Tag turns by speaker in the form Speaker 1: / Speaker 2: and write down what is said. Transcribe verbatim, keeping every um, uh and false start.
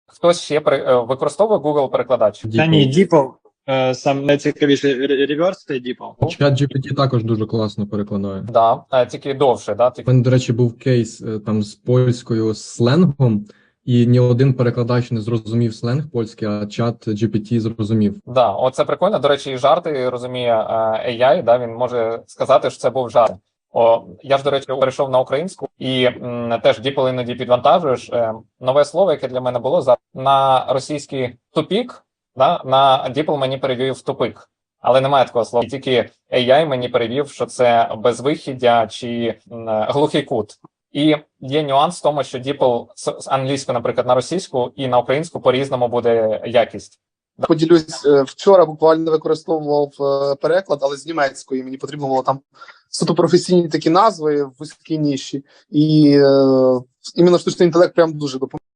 Speaker 1: Хтось ще при, е, використовує Google-перекладач?
Speaker 2: Та ні, DeepL. е, Сам найцікавіше реверс та DeepL.
Speaker 3: Чат джі пі ті також дуже класно перекладає.
Speaker 1: Да, е, тільки довше, да?
Speaker 3: У
Speaker 1: Тільки...
Speaker 3: мене, до речі, був кейс е, там з польською сленгом, і ні один перекладач не зрозумів сленг польський, а чат джі пі ті зрозумів.
Speaker 1: Да, оце прикольно. До речі, і жарти розуміє е, ей ай, да? Він може сказати, що це був жарт. О, я ж, до речі, перейшов на українську, і м, теж DeepL іноді підвантажуєш. Е, нове слово, яке для мене було, за на російський тупік, да? На DeepL мені перевів тупик. Але немає такого слова. Тільки ей ай мені перевів, що це безвихіддя чи м, глухий кут. І є нюанс в тому, що DeepL з англійської, наприклад, на російську і на українську по-різному буде якість.
Speaker 4: Поділюсь, вчора буквально використовував переклад, але з німецької. Мені потрібно було там суто професійні такі назви в вузькій ніші. І е, іменно штучний інтелект прям дуже допомагає.